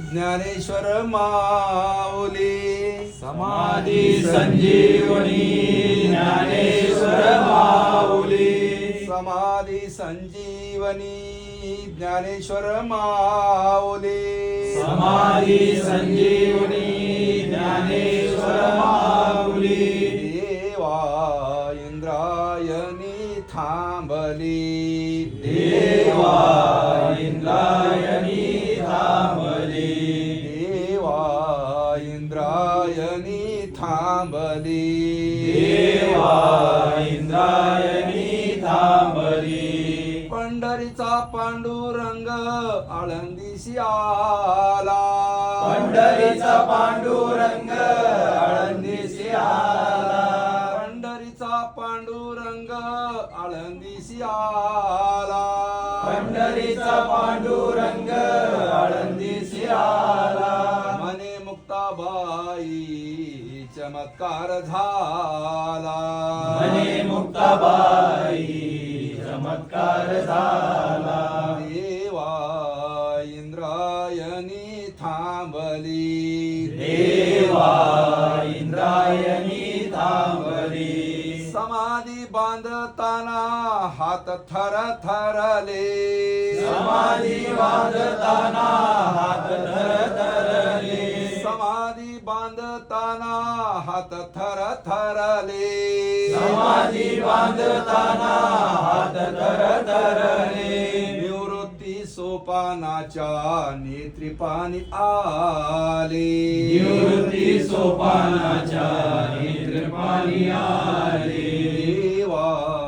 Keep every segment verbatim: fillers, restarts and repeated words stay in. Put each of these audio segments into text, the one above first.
ज्ञानेश्वर माऊली समाधी संजीवनी ज्ञानेश्वर माऊली समाधी संजीवनी ज्ञानेश्वर माऊली समाधी संजीवनी ज्ञानेश्वर माऊली देवा इंद्रायणी थांबली देवा इंद्रायणी थांबली देवा इंद्रायणी थांबली देवा इंद्रायणी थांबली पंढरीचा पांडुरंग आळंदीसी आला पंढरीचा पांडुरंग आळंदीसी आला पंढरीचा पांडुरंग आळंदीसी आला पंढरीचा पांडुरंग आळंदीसी आला मने मुक्ताबाई चमत्कार झाला मने मुक्ताबाई चमत्कार झाला देवा इंद्रायणी थांबली देवा इंद्रायणी थांबली समाधी बांधताना हात थर थरले समाधी बांधताना हात थरथरले समाधी बांधताना हात थर थरले समाधी बांधताना हात थरथरले निवृत्ती सोपानाच्या नेत्रीपाणी आले निवृत्ती सोपानाच्या नेत्रपाणी आले देवा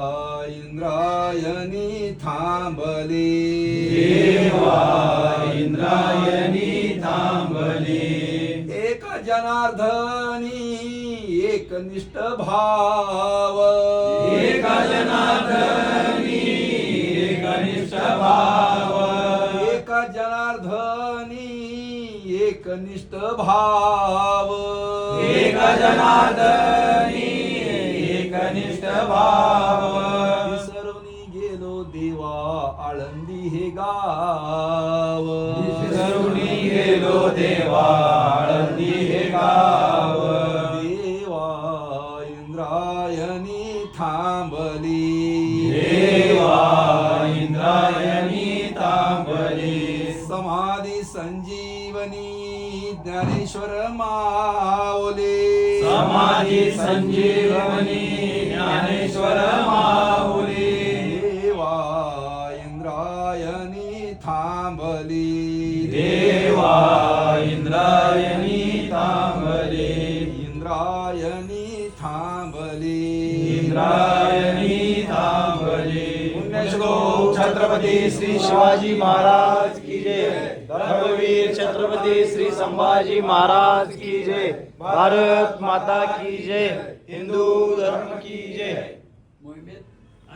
इंद्रायणी थांबले देवा इंद्रायणी थांबले एक जनार्दनी एक निष्ठ भाव एक जनार्दनी एक निष्ठ भाव एक जनार्दनी एक निष्ठ भाव एक जनार्दनी एक निष्ठ भाव विसरून गेलो देवा आळंदी हे गाव विसरुनी गेलो देवा आळंदी हे गाव देवा इंद्रायणी थांबली देवा इंद्रायणी थांबली समाधी संजीवनी ज्ञानेश्वर माऊली समाधी संजीवनी ज्ञानेश्वर माऊली देवा इंद्रायणी थांबली देवा इंद्रायणी थांबली इंद्रायणी थांबली इंद्रायणी थांबली पुण्यश्लोक छत्रपती श्री शिवाजी महाराज की जय धर्मवीर छत्रपती श्री संभाजी महाराज की जय भारत माता की जय हिंदू धर्म की जय